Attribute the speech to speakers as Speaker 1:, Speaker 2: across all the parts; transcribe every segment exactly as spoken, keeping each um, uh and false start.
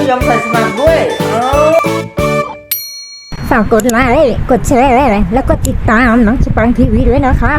Speaker 1: ยอมใส่สมัครด้วย
Speaker 2: ฝากกดไลค์กดแชร์แล้วก็ติดตามน้องสปังทีวีด้วยนะคะ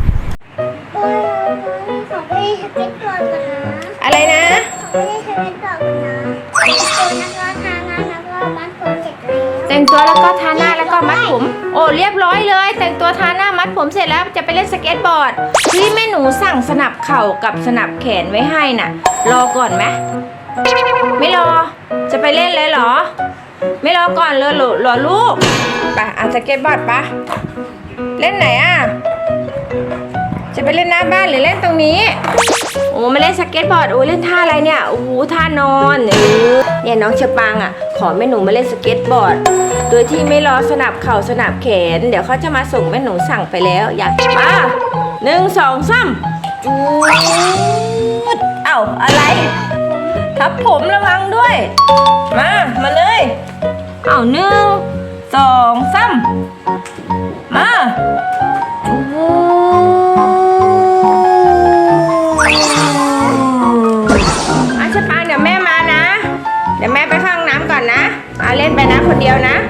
Speaker 3: ขอไปสเก็ตบอร์ดก่อนนะ
Speaker 4: อะไรนะ
Speaker 3: ไปสเก็ตบอร์ดก่อนนะแต่งตัวแล้วก็ทาหน้าแล้วก็มัดผมเสร็จแล้ว
Speaker 4: แต่งตัวแล้วก็ทาหน้าแล้วก็มัดผมโอ้เรียบร้อยเลยแต่งตัวทาหน้ามัดผมเสร็จแล้วจะไปเล่นสเก็ตบอร์ดที่แม่หนูสั่งสนับเข่ากับสนับแขนไว้ให้น่ะรอก่อนไหมไม่รอจะไปเล่นเลยเหรอไม่รอก่อนเลยหรอรอลูกไปอ่ะสเก็ตบอร์ดปะเล่นไหนอ่ะจะไปเล่นหน้าบ้านหรือเล่นตรงนี้โอ้ไม่เล่นสเก็ตบอร์ดโอ้เล่นท่าอะไรเนี่ยโอ้โหท่านอนเออเนี่ยน้องเชอปังอ่ะขอแม่หนูมาเล่นสเก็ตบอร์ดโดยที่ไม่รอสนับเข่าสนับแขนเดี๋ยวเขาจะมาส่งแม่หนูสั่งไปแล้วอยากมาหนึ่งสองสามจูดเอ้าอะไรทับผมระวังด้วยมามาเลยเอ้าหนึ่งสองสามมาโอ้อาชปางเดี๋ยวแม่มานะเดี๋ยวแม่ไปเข้าห้องน้ำก่อนนะเอาเล่นไปนะคนเดียวนะ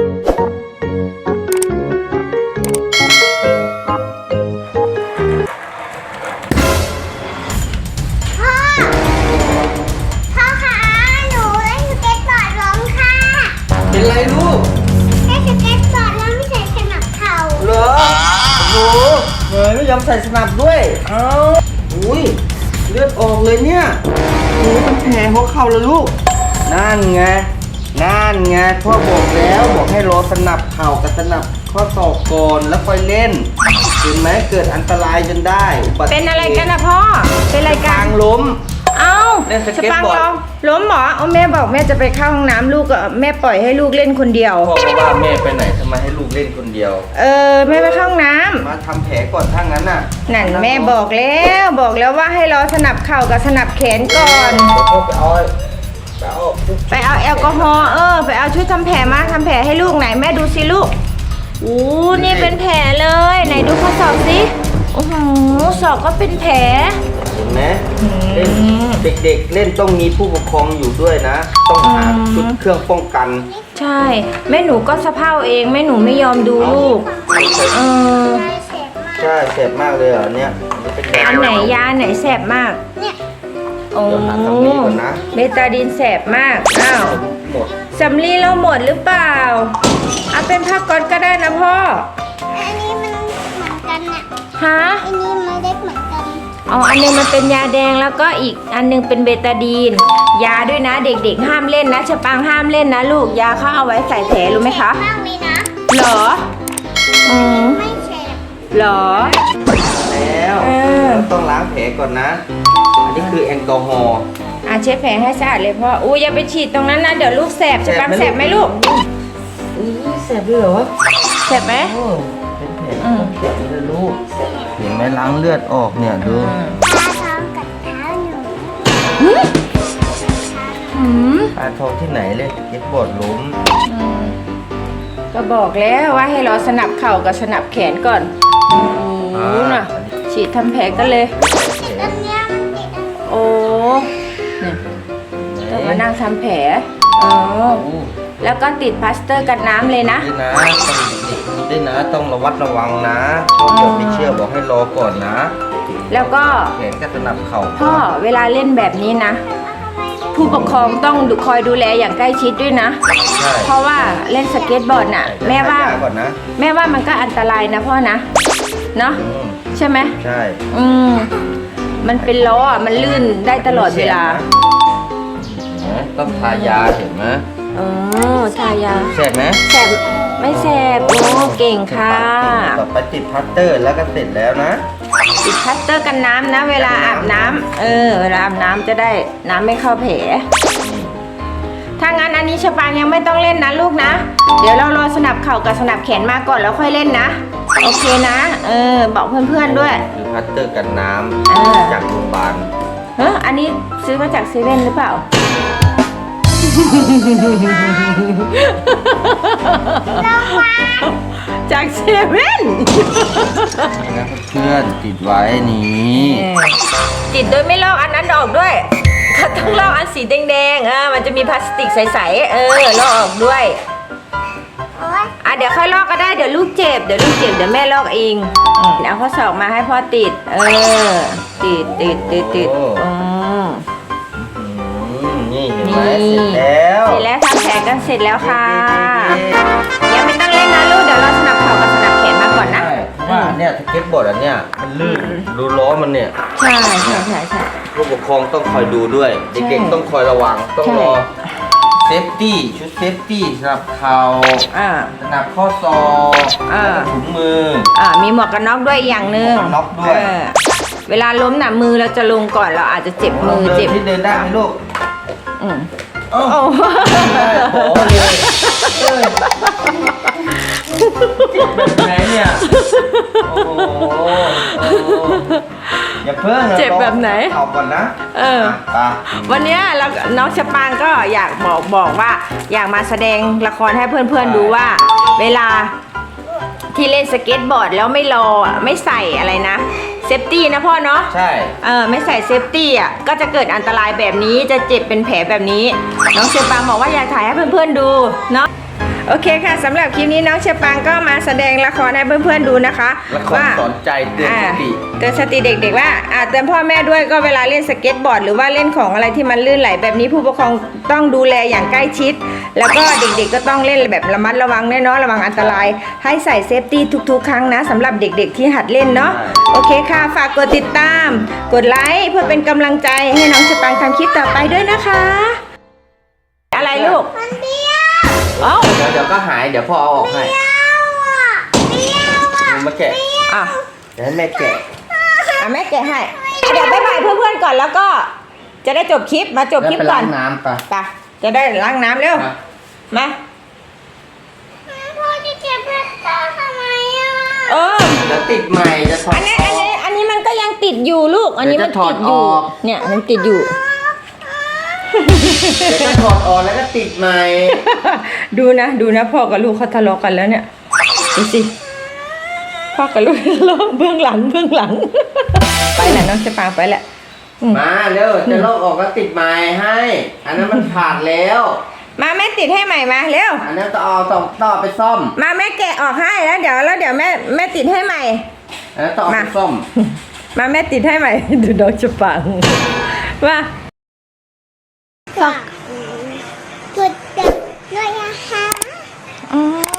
Speaker 3: พ่อพ่อคะหนูเล่นสเก็ตบอร์ดล้มค่ะ
Speaker 1: เป็นไรลูก
Speaker 3: เล่นสเก็ตบอร์ดแล้วไม่ใส่สนับเข่า
Speaker 1: เหรอโอ้โหเฮ้ยไม่ยอมใส่สนับด้วยเอ้าอุ้ยเลือดออกเลยเนี่ยโอ้เป็นแผลหัวเข่าเลยลูกนั่นไงนั่นไงพ่อบอกแล้วบอกให้รอสนับเข่ากับสนับข้อศอกก่อนแล้วค่อยเล่นเห็นไหมเกิดอันตรายจนได้
Speaker 4: เป็นอะไรกันนะพ่อเป็นอะไรกัน
Speaker 1: ทางล้ม
Speaker 4: เอ้าชปังเหรอล้มหมอเอาแม่บอกแม่จะไปเข้าห้องน้ำลูกก็แม่ปล่อยให้ลูกเล่นคนเดียว
Speaker 1: พ่อว่าแม่ไปไหนทำไมให้ลูกเล่นคนเดียว
Speaker 4: เออแม่ไปเข้าห้องน้ำ
Speaker 1: มาทำแผลก่อนถ้างั้นน่ะ
Speaker 4: นั่นแม่บอกแล้วบอกแล้วว่าให้รอสนับเข่ากับสนับแขนก่อน
Speaker 1: ไปเอาไปเอา
Speaker 4: ไปเอาแอลกอฮอล์เออไปเอาชุดทำแผลมาทำแผลให้ลูกไหนแม่ดูสิลูกอู้นี่เป็นแผลเลยไหนดูข้อศอกสิโอ้โหศอกก็เป็นแผล
Speaker 1: เห็นไหมเล่นเด็กๆเล่นต้องมีผู้ปกครองอยู่ด้วยนะต้องหาชุดเครื่องป้องกัน
Speaker 4: ใช่แม่หนูก็สะเพร่าเองแม่หนูไม่ยอมดูลูกเออ
Speaker 1: ใช่แสบมากเลยเหรอเนี่ย
Speaker 4: อันไหนยาไหนแสบมาก
Speaker 3: เนี่ย
Speaker 4: โอ้เบตาดีนแสบมากอ้าวสำลีเราหมดหรือเปล่าเอาเป็นผ้าก๊อซก็ได้นะพ่อ
Speaker 3: อันนี้มันเหมือนกันน่ะ
Speaker 4: ฮะ
Speaker 3: อันนี้มันเล็กเหมือนกัน
Speaker 4: อ๋ออันนึงมันเป็นยาแดงแล้วก็อีกอันนึงเป็นเบตาดีนยาด้วยนะเด็กๆห้ามเล่นนะชะปังห้ามเล่นนะลูกยาเขาเอาไว้ใส่แผลรู้ไหมคะ
Speaker 3: มากเลยนะ
Speaker 4: หรออืม
Speaker 3: ไม่แฉะ
Speaker 4: หรอ
Speaker 1: แล้วต้องล้างแผลก่อนนะอันนี้คือแอลกอฮอล์
Speaker 4: อ่ะเช็ดแผลให้สะอาดเลยพ่ออู้อย่าไปฉีดตรงนั้นนะเดี๋ยวลูกแสบชะปังแสบไหมลูก
Speaker 1: อู้แสบด้วยเหรอ
Speaker 4: แสบไหม
Speaker 1: เป็นแผลแผลเลยลูกเห็นไหมล้างเลือดออกเนี่ยดู
Speaker 3: ตาท้องกับเท้าหนู
Speaker 1: ตาทองที่ไหนเลยเก็บบอดล้ม
Speaker 4: ก็บอกแล้วว่าให้รอสนับเข่ากับสนับแขนก่อนโอ้น่ะฉีดทำแผลกันเลยโอ้เนี่ยต้องมานั่งทำแผลอ๋อแล้วก็ติดพลาสเตอร์กันน้ำเลยนะ
Speaker 1: นะต้องได้นะต้องระวัดระวังนะพ่อบอกไม่เชื่อบอกให้รอก่อนนะ
Speaker 4: แล้วก็
Speaker 1: แขนกับสนับเข่า
Speaker 4: พ่อเวลาเล่นแบบนี้นะผู้ปกครองต้องคอยดูแลอย่างใกล้ชิดด้วยนะเพราะว่าเล่นสเก็ตบอร์ดน่ะแม่ว่าแม่ว่ามันก็อันตรายนะพ่อนะเนาะใช่ไหม
Speaker 1: ใช่
Speaker 4: อืมมันเป็นล้ออ่ะมันลื่นได้ตลอดเวลา
Speaker 1: ต้องทายาเห็นไหม
Speaker 4: อ๋อทายา
Speaker 1: แสบไหม
Speaker 4: แสบไม่แสบโอ้เก่งค่ะ
Speaker 1: ต่อไปติดพัตเตอร์แล้วก็เสร็จแล้วนะ
Speaker 4: ติดพัตเตอร์กันน้ำนะเวลาอาบน้ำเออเวลาอาบน้ำจะได้น้ำไม่เข้าแผลถ้างั้นอันนี้ชะปางยังไม่ต้องเล่นนะลูกนะเดี๋ยวเรารอสนับเข่ากับสนับแขนมาก่อนแล้วค่อยเล่นนะโอเคนะเออบอกเพื่อนๆด้วย
Speaker 1: คือพัตเตอร์กันน้ำจากโรงพยาบาล
Speaker 4: เอออันนี้ซื้อมาจากเซเว่นหรือเปล่าจากเซเว่น
Speaker 1: นะเพื่อนติดไว้นี้
Speaker 4: ติดโดยไม่ลอกอันนั้นออกด้วยก็ต้องลอกอันสีสีแดงๆเออมันจะมีพลาสติกใสๆเออลอกออกด้วย
Speaker 3: โอ๊ย
Speaker 4: อ่ะเดี๋ยวค่อยลอกก็ได้เดี๋ยวลูกเจ็บเดี๋ยวลูกเจ็บเดี๋ยวแม่ลอกเองอืมแล้วข้อศอกมาให้พ่อติด เออ ติดติดติดติดอืม
Speaker 1: อืมนี่เห็นไหม
Speaker 4: นี่
Speaker 1: เสร็จแล้ว
Speaker 4: เสร็จแล้วทำแผลกันเสร็จแล้วค่ะยังไม่ต้องเล่นนะลูกเดี๋ยวเราสนับเข่ากับสนับแขนมาก่อนนะ
Speaker 1: ใช่เพราะว่าเนี่ยสเก็ตบอร์ดอันเนี้ยมันลื่นดูล้อมันเนี่ย
Speaker 4: ใช่ใช่ใช่ใช่
Speaker 1: ผู้ปกครองต้องคอยดูด้วย เด็กๆต้องคอยระวังต้อง
Speaker 4: ใช่
Speaker 1: รอเซฟตี้ชุดเซฟตี้สำหรับเข่า
Speaker 4: อ่า
Speaker 1: สนับข้อศอก
Speaker 4: อ่า
Speaker 1: แล้วก็ถุงมือ
Speaker 4: อ่ามีหมวกกันน็อกด้วยอย่างหนึ่ง
Speaker 1: หมวกกันน็อกด้วย
Speaker 4: เออเวลาล้มน่ะมือเราจะลงก่อนเราอาจจะเจ็บมือเจ็บ
Speaker 1: ที่เดินได้ไหมลูก
Speaker 4: อืม
Speaker 1: โอ้
Speaker 4: โอ้
Speaker 1: ได้โอ้เลยเอ้ยแบบไหนเนี่ยโอ้โหโอ้โหอย่าเพิ่งนะ
Speaker 4: เจ็บแบบไหน
Speaker 1: เอาก่อนนะ
Speaker 4: เออ
Speaker 1: ไป
Speaker 4: วันเนี้ยเราน้องชะปางก็อยากบอกบอกว่า อยากมาแสดงละครให้เพื่อนๆดูว่า เวลาที่เล่นสเก็ตบอร์ดแล้วไม่รออ่ะไม่ใส่อะไรนะเซฟตี้นะพ่อเนาะ
Speaker 1: ใช่
Speaker 4: เออไม่ใส่เซฟตี้อ่ะก็จะเกิดอันตรายแบบนี้จะเจ็บเป็นแผลแบบนี้ น้องเชอปางบอกว่าอยากถ่ายให้เพื่อนๆดูเนาะโอเคค่ะสำหรับคลิปนี้น้องเชอปางก็มาแสดงละครให้เพื่อนๆดูนะคะ
Speaker 1: ละคร
Speaker 4: ว่า
Speaker 1: สอนใจเตือนสติ
Speaker 4: อ่าเตือนสติเด็กๆว่าอ่าเตือนพ่อแม่ด้วยก็เวลาเล่นสเก็ตบอร์ดหรือว่าเล่นของอะไรที่มันลื่นไหลแบบนี้ผู้ปกครองต้องดูแลอย่างใกล้ชิด แล้วก็เด็กๆก็ต้องเล่นแบบระมัดระวังแน่เนอนระวังอันตราย ให้ใส่เซฟตี้ทุกๆ ครั้งนะสำหรับเด็กๆที่หัดเล่นเนาะโอเคค่ะฝากกดติดตาม กดไลค์เพื่อเป็นกำลังใจให้น้องชะปังทำคลิปต่อไปด้วยนะคะ อะไรลูก
Speaker 3: มันเบี้ยว
Speaker 4: เอ้า
Speaker 1: เดี๋ยวเดี๋ยวก็หายเดี๋ยวพ่อเอาออกให้
Speaker 3: เบี้ยวอ่ะเบี้ยวอ่ะ
Speaker 1: หนูมาแกะ
Speaker 4: อ่ะ
Speaker 1: เดี๋ยวให้แม่แกะ
Speaker 4: อ่ะแม่แกะให้อ่ะเดี๋ยวบ๊ายบายเพื่อนๆก่อนแล้วก็ จะได้จบคลิปมาจบคลิป
Speaker 1: แล้วไป
Speaker 4: ก่อ
Speaker 1: ล้าน งน้ำไป
Speaker 4: ไปจะได้ล้างน้ำเร็ว
Speaker 1: มา
Speaker 4: มา
Speaker 3: พ่อจะเก็บแพตเตอร์ทำไมอ่ะ
Speaker 4: เออ
Speaker 1: เดี๋ยวติดใหม่จะถอด
Speaker 4: อันนี้อันนี้อันนี้มันก็ยังติดอยู่ลูก อันนี้มันติดอยู่
Speaker 1: เดี๋ยวจะถอดออก
Speaker 4: เนี่ยมันติดอยู่
Speaker 1: เดี๋ยวก็ถอดออกแล้วก็ติดใหม่
Speaker 4: ดูนะดูนะพ่อกับลูกเขาทะเลาะกันแล้วเนี่ยดูสิพ่อกับลูกทะเลาะเบื้องหลังเบื้องหลัง ไปแหละน้องจะปางไปแหละอืม
Speaker 1: มาเร็วจะลอกออกแล้วติดใหม่ให้ อันนั้นมันขาดแล้ว
Speaker 4: มาแม่ติดให้ใหม่มาเร็ว
Speaker 1: อันนั้นต้องเอาต้องต้องเอาไปซ่อม
Speaker 4: มาแม่แกะออกให้แล้วเดี๋ยวแล้วเดี๋ยวแม่แม่ติดให้ใหม่
Speaker 1: อันนั้นต้องเอาไป
Speaker 4: มา
Speaker 1: ซ่อม
Speaker 4: มาแม่ติดให้ใหม่ ดูน้องจะปังว่า
Speaker 3: ฝากกดติดด้วยนะคะ
Speaker 4: อ๋อ